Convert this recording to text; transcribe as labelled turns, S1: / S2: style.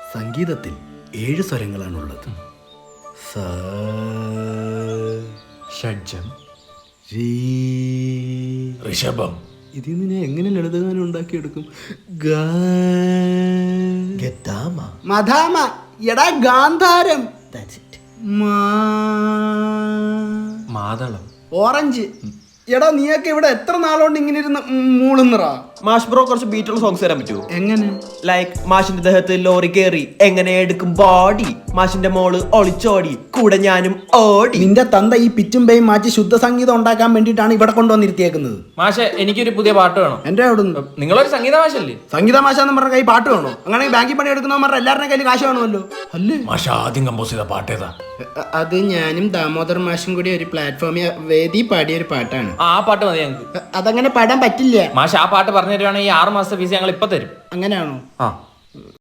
S1: സംഗീതത്തിൽ 7 സ്വരങ്ങളാണുള്ളത്. സ,
S2: ഷഡ്ജം,
S1: രീ,
S2: ഋഷഭം.
S1: ഇതിൽ നിന്ന് ഞാൻ എങ്ങനെ ലളിതഗാനം ഉണ്ടാക്കിയെടുക്കും? ഗ,
S2: ഗദാമ.
S1: മധാമ, എടാ ഗാന്ധാരം. മാ,
S2: മാതളം.
S1: ഓറഞ്ച്. എടാ നീയൊക്കെ ഇവിടെ എത്ര നാളുകൊണ്ട് ഇങ്ങനെ ഇരുന്ന് മൂളുന്നറാ?
S3: മാഷ് ബ്രോ കുറച്ച് ബീറ്റുള്ള സോങ്സ് തരാൻ പറ്റുമോ?
S1: എങ്ങനെ?
S3: ലൈക്ക് മാഷിന്റെ ദേഹത്ത് ലോറി കേറി എങ്ങനെ എടുക്കും ബോഡി, മാഷിന്റെ മോള് ഒളിച്ചോടി കൂടെ ഞാനും ഓടി.
S1: നിന്റെ തന്ത ഈ പിച്ചും പേയും മാറ്റി ശുദ്ധ സംഗീതം ഉണ്ടാക്കാൻ വേണ്ടിയിട്ടാണ് ഇവിടെ കൊണ്ടുവന്നിരുത്തിയേക്കുന്നത്.
S4: മാഷെ എനിക്കൊരു പുതിയ പാട്ട് വേണം.
S1: എന്റെ അവിടെ
S4: നിങ്ങളൊരു സംഗീത മാഷല്ലേ?
S1: സംഗീത മാഷാന്ന് പറഞ്ഞ കൈ പാട്ട് വേണോ? അങ്ങനെ ബാങ്കിൽ പണി എടുക്കുന്നവന്മാരുടെ എല്ലാവരുടെ കയ്യിൽ കാശ് വേണമല്ലോ അല്ലേ?
S2: മാഷ ആദ്യം കമ്പോസ് ചെയ്ത പാട്ടേതാ?
S1: അത് ഞാനും ദാമോദർ മാഷും കൂടി ഒരു പ്ലാറ്റ്ഫോമിൽ വേദി പാടിയ ഒരു പാട്ടാണ്.
S4: ആ പാട്ട് മതി ഞങ്ങൾക്ക്.
S1: അതങ്ങനെ പാടാൻ പറ്റില്ല.
S4: മാഷ് ആ പാട്ട് പറഞ്ഞു തരുവാണെങ്കിൽ 6 മാസത്തെ ഫീസ് ഞങ്ങൾ ഇപ്പൊ തരും.
S1: അങ്ങനെയാണോ?
S4: ആ